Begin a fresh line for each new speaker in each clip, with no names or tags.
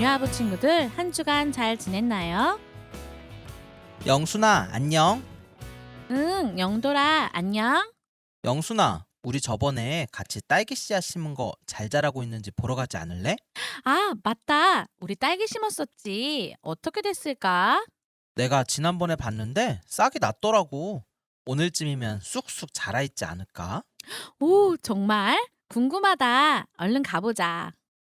자녀아부 친구들 한 주간 잘 지냈나요?
영순아, 안녕.
응, 영돌아, 안녕.
영순아, 우리 저번에 같이 딸기 씨앗 심은 거 잘 자라고 있는지 보러 가지 않을래?
아, 맞다. 우리 딸기 심었었지. 어떻게 됐을까?
내가 지난번에 봤는데 싹이 났더라고. 오늘쯤이면 쑥쑥 자라 있지 않을까?
오, 정말? 궁금하다. 얼른 가보자.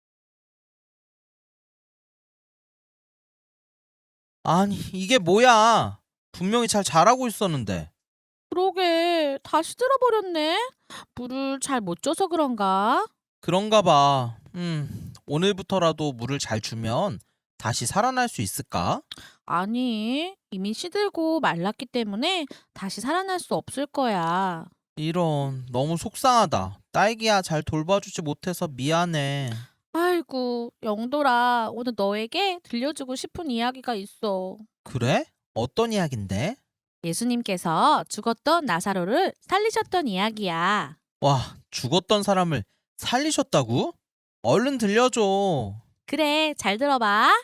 아니, 이게 뭐야? 분명히 잘 자라고 있었는데.
그러게, 다시 들어버렸네. 물을 잘 못 줘서 그런가?
그런가 봐. 오늘부터라도 물을 잘 주면 다시 살아날 수 있을까?
아니, 이미 시들고 말랐기 때문에 다시 살아날 수 없을 거야.
이런, 너무 속상하다. 딸기야, 잘 돌봐주지 못해서 미안해.
아이고, 영돌아, 오늘 너에게 들려주고 싶은 이야기가 있어.
그래? 어떤 이야긴데?
예수님께서 죽었던 나사로를 살리셨던 이야기야.
와, 죽었던 사람을 살리셨다고? 얼른 들려줘.
그래, 잘 들어봐.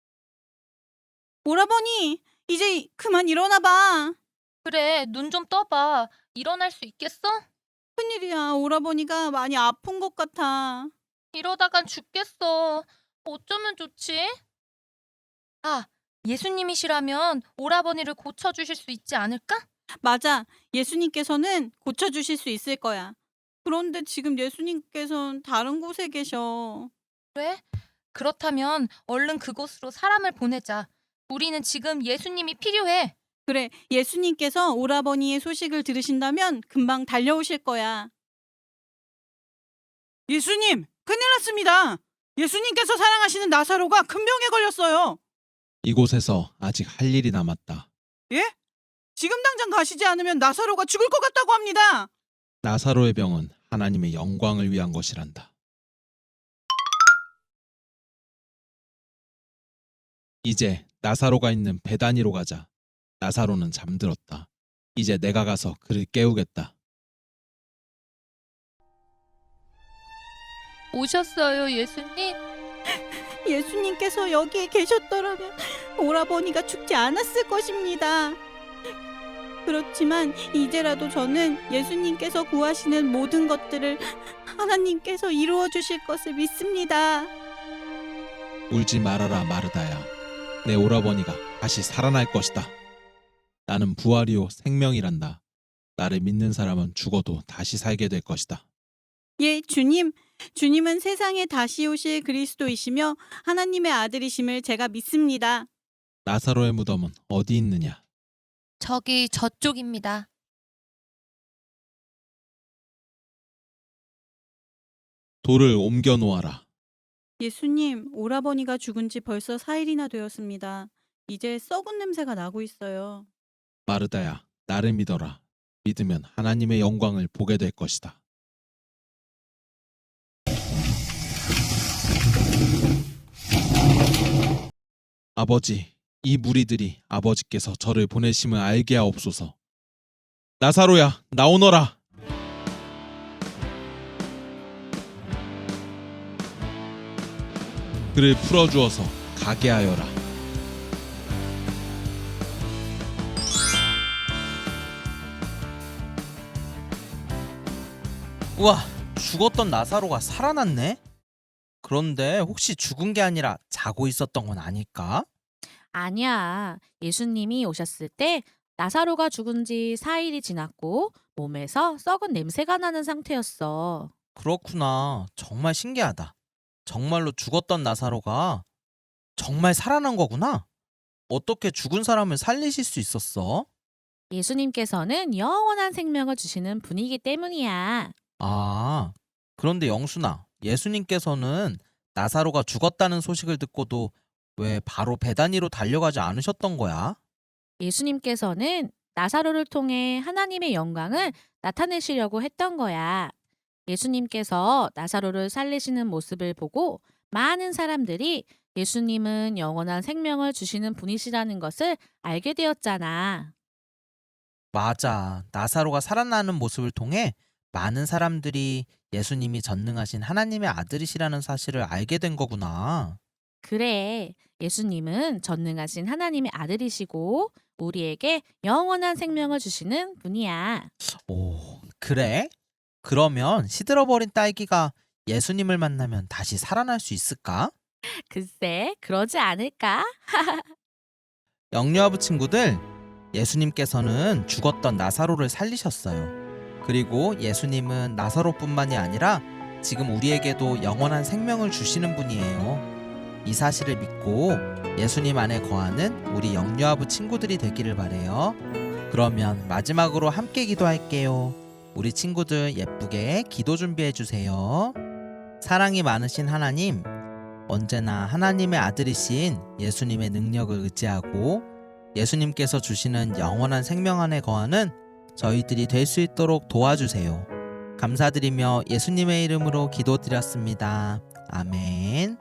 오라버니, 이제 그만 일어나 봐.
그래, 눈 좀 떠봐. 일어날 수 있겠어?
큰일이야. 오라버니가 많이 아픈 것 같아.
이러다간 죽겠어. 어쩌면 좋지? 아, 예수님이시라면 오라버니를 고쳐주실 수 있지 않을까?
맞아. 예수님께서는 고쳐주실 수 있을 거야. 그런데 지금 예수님께서는 다른 곳에 계셔.
그래? 그렇다면 얼른 그곳으로 사람을 보내자. 우리는 지금 예수님이 필요해.
그래, 예수님께서 오라버니의 소식을 들으신다면 금방 달려오실 거야. 예수님, 큰일 났습니다. 예수님께서 사랑하시는 나사로가 큰 병에 걸렸어요.
이곳에서 아직 할 일이 남았다.
예? 지금 당장 가시지 않으면 나사로가 죽을 것 같다고 합니다.
나사로의 병은 하나님의 영광을 위한 것이란다. 이제 나사로가 있는 베다니로 가자. 나사로는 잠들었다. 이제 내가 가서 그를 깨우겠다.
오셨어요, 예수님?
예수님께서 여기에 계셨더라면 오라버니가 죽지 않았을 것입니다. 그렇지만 이제라도 저는 예수님께서 구하시는 모든 것들을 하나님께서 이루어 주실 것을 믿습니다.
울지 말아라 마르다야. 내 오라버니가 다시 살아날 것이다. 나는 부활이요 생명이란다. 나를 믿는 사람은 죽어도 다시 살게 될 것이다.
예, 주님. 주님은 세상에 다시 오실 그리스도이시며 하나님의 아들이심을 제가 믿습니다.
나사로의 무덤은 어디 있느냐?
저기 저쪽입니다.
돌을 옮겨 놓아라.
예수님, 오라버니가 죽은 지 벌써 4일이나 되었습니다. 이제 썩은 냄새가 나고 있어요.
마르다야, 나를 믿어라. 믿으면 하나님의 영광을 보게 될 것이다. 아버지, 이 무리들이 아버지께서 저를 보내심을 알게 하옵소서. 나사로야, 나오너라. 그를 풀어주어서 가게 하여라.
우와, 죽었던 나사로가 살아났네? 그런데 혹시 죽은 게 아니라 자고 있었던 건 아닐까?
아니야. 예수님이 오셨을 때 나사로가 죽은 지 4일이 지났고 몸에서 썩은 냄새가 나는 상태였어.
그렇구나. 정말 신기하다. 정말로 죽었던 나사로가 정말 살아난 거구나. 어떻게 죽은 사람을 살리실 수 있었어?
예수님께서는 영원한 생명을 주시는 분이기 때문이야.
아, 그런데 영순아, 예수님께서는 나사로가 죽었다는 소식을 듣고도 왜 바로 베다니로 달려가지 않으셨던 거야?
예수님께서는 나사로를 통해 하나님의 영광을 나타내시려고 했던 거야. 예수님께서 나사로를 살리시는 모습을 보고 많은 사람들이 예수님은 영원한 생명을 주시는 분이시라는 것을 알게 되었잖아.
맞아. 나사로가 살아나는 모습을 통해 많은 사람들이 예수님이 전능하신 하나님의 아들이시라는 사실을 알게 된 거구나.
그래, 예수님은 전능하신 하나님의 아들이시고 우리에게 영원한 생명을 주시는 분이야.
오, 그래? 그러면 시들어버린 딸기가 예수님을 만나면 다시 살아날 수 있을까?
글쎄, 그러지 않을까?
영유아부 친구들, 예수님께서는 죽었던 나사로를 살리셨어요. 그리고 예수님은 나사로뿐만이 아니라 지금 우리에게도 영원한 생명을 주시는 분이에요. 이 사실을 믿고 예수님 안에 거하는 우리 영유아부 친구들이 되기를 바래요. 그러면 마지막으로 함께 기도할게요. 우리 친구들 예쁘게 기도 준비해 주세요. 사랑이 많으신 하나님, 언제나 하나님의 아들이신 예수님의 능력을 의지하고 예수님께서 주시는 영원한 생명 안에 거하는 저희들이 될 수 있도록 도와주세요. 감사드리며 예수님의 이름으로 기도드렸습니다. 아멘.